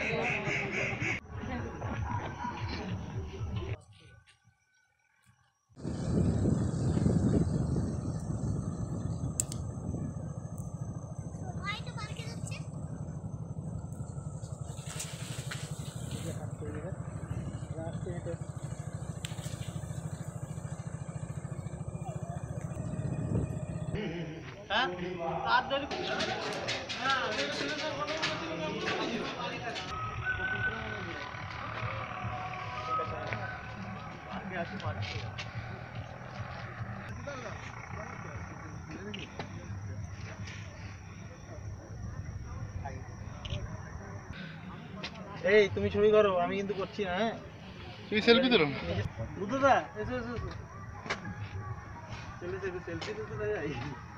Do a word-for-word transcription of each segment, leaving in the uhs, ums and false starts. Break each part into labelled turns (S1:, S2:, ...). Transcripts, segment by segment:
S1: এই তুমি ছবি করো, আমি কিন্তু করছি না। হ্যাঁ
S2: তুমি সেলফি তুলো।
S1: বুদ্ধদা এসো এসো এসো, চলে যাবে সেলফি তুলতে তাই যাই।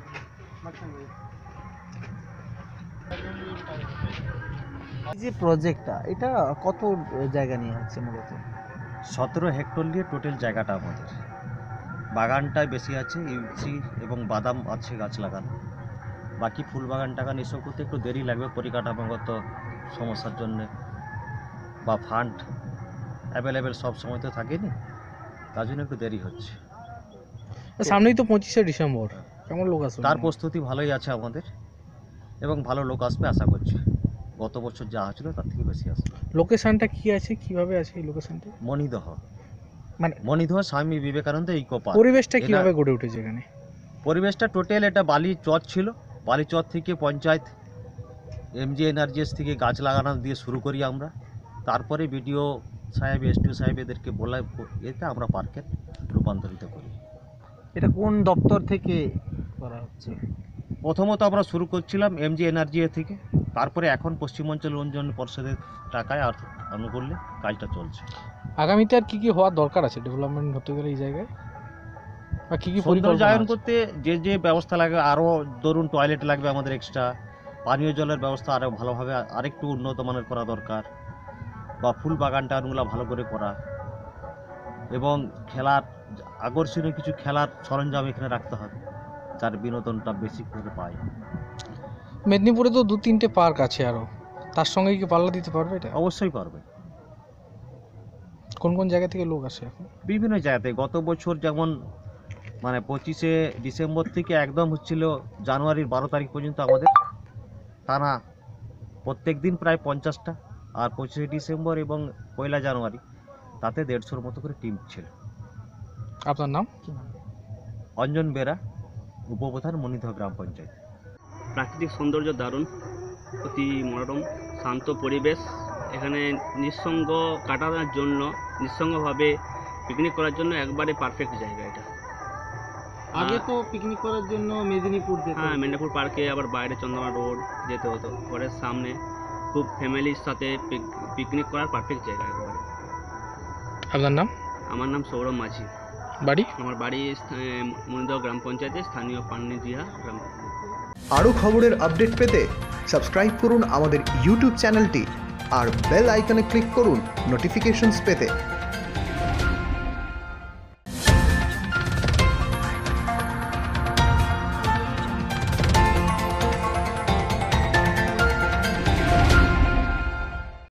S1: এই যে প্রজেক্টটা, এটা কত জায়গা নিয়ে হচ্ছে মূলত?
S3: সতেরো হেক্টর নিয়ে টোটাল জায়গাটা আমাদের। বাগানটায় বেশি আছে, ইউসি এবং বাদাম আছে গাছ লাগানো। বাকি ফুল বাগান টাগান এসব করতে একটু দেরি লাগবে পরিকাঠামোগত সমস্যার জন্যে, বা ফান্ড অ্যাভেলেবেল সব সময় তো থাকেনি, তার জন্য একটু দেরি হচ্ছে।
S1: সামনেই তো পঁচিশে ডিসেম্বর, কেমন লোক আসবে?
S3: তার প্রস্তুতি ভালোই আছে আমাদের, এবং ভালো লোক আসবে আশা করছি। গত বছর যা হয়েছিল তার থেকে বেশি আসবে।
S1: লোকেশনটা কি আছে, কিভাবে আছে এই লোকেশনটা?
S3: মণিদহ,
S1: মানে
S3: মণিদহ স্বামী বিবেকানন্দ ইকো পার্ক।
S1: পরিবেশটা কিভাবে গড়ে উঠেছে এখানে?
S3: পরিবেশটা টোটাল এটা বালি চর ছিল, বালি চর থেকে পঞ্চায়েত এমজি এনার্জিএস থেকে গাছ লাগানো দিয়ে শুরু করি আমরা। তারপরে বিডিও সাহেব, এসডিও সাহেব এদেরকে বলা এতে আমরা পার্কে রূপান্তরিত করি।
S1: এটা কোন দপ্তর থেকে করা হচ্ছে?
S3: প্রথমত আমরা শুরু করছিলাম এমজি এনার্জিএ থেকে, তারপরে এখন পশ্চিমাঞ্চল উন্নয়ন পর্ষদের টাকায় আর অনুকূল্যে কাজটা চলছে।
S1: আগামীতে আর কি কি হওয়ার দরকার আছে ডেভেলপমেন্ট হতে গেলে এই জায়গায়, বা কি কি
S3: সৌন্দর্যায়ন করতে যে যে ব্যবস্থা লাগবে, আরও ধরুন টয়লেট লাগবে আমাদের এক্সট্রা, পানীয় জলের ব্যবস্থা আরও ভালোভাবে আরেকটু উন্নত মানের করা দরকার, বা ফুল বাগান টাগানগুলো ভালো করে করা, এবং খেলার আকর্ষণীয় কিছু খেলার সরঞ্জাম এখানে রাখতে হবে, যার বিনোদনটা বেশি করে পায়।
S1: মেদিনীপুরে তো দু তিনটে পার্ক আছে, আরও তার সঙ্গে কি পাল্লা দিতে পারবে এটা?
S3: অবশ্যই পারবে।
S1: কোন কোন জায়গা থেকে লোক আসে এখন?
S3: বিভিন্ন জায়গাতে। গত বছর যেমন মানে পঁচিশে ডিসেম্বর থেকে একদম হচ্ছিল জানুয়ারির বারো তারিখ পর্যন্ত আমাদের টানা প্রত্যেক দিন প্রায় পঞ্চাশটা, আর পঁচিশে ডিসেম্বর এবং পয়লা জানুয়ারি তাতে দেড়শোর মতো করে টিম ছিল।
S1: আপনার নাম?
S3: অঞ্জন বেরা, উপপ্রধান, মণিদহ গ্রাম পঞ্চায়েত।
S4: প্রাকৃতিক সৌন্দর্য দারুণ, অতি মনোরম শান্ত পরিবেশ। এখানে নিঃসঙ্গ কাটানোর জন্য, নিঃসঙ্গভাবে পিকনিক করার জন্য একবারে পারফেক্ট জায়গা এটা।
S1: আগে তো পিকনিক করার জন্য মেদিনীপুর যেতে,
S4: হ্যাঁ মেদিনীপুর পার্কে, আবার বাইরে চন্দ্রমা রোড যেতে হতো। ঘরের সামনে খুব ফ্যামিলির সাথে পিকনিক করার পারফেক্ট জায়গা একবারে।
S1: আপনার নাম?
S4: আমার নাম সৌরভ মাঝি।
S1: বাড়ি?
S4: আমার বাড়ি মণিদহ গ্রাম পঞ্চায়েতে, স্থানীয় পান্নিদিয়া গ্রাম।
S5: আরও খবরের আপডেট পেতে সাবস্ক্রাইব করুন আমাদের ইউটিউব চ্যানেলটি আর বেল আইকনে ক্লিক করুন নোটিফিকেশনস পেতে।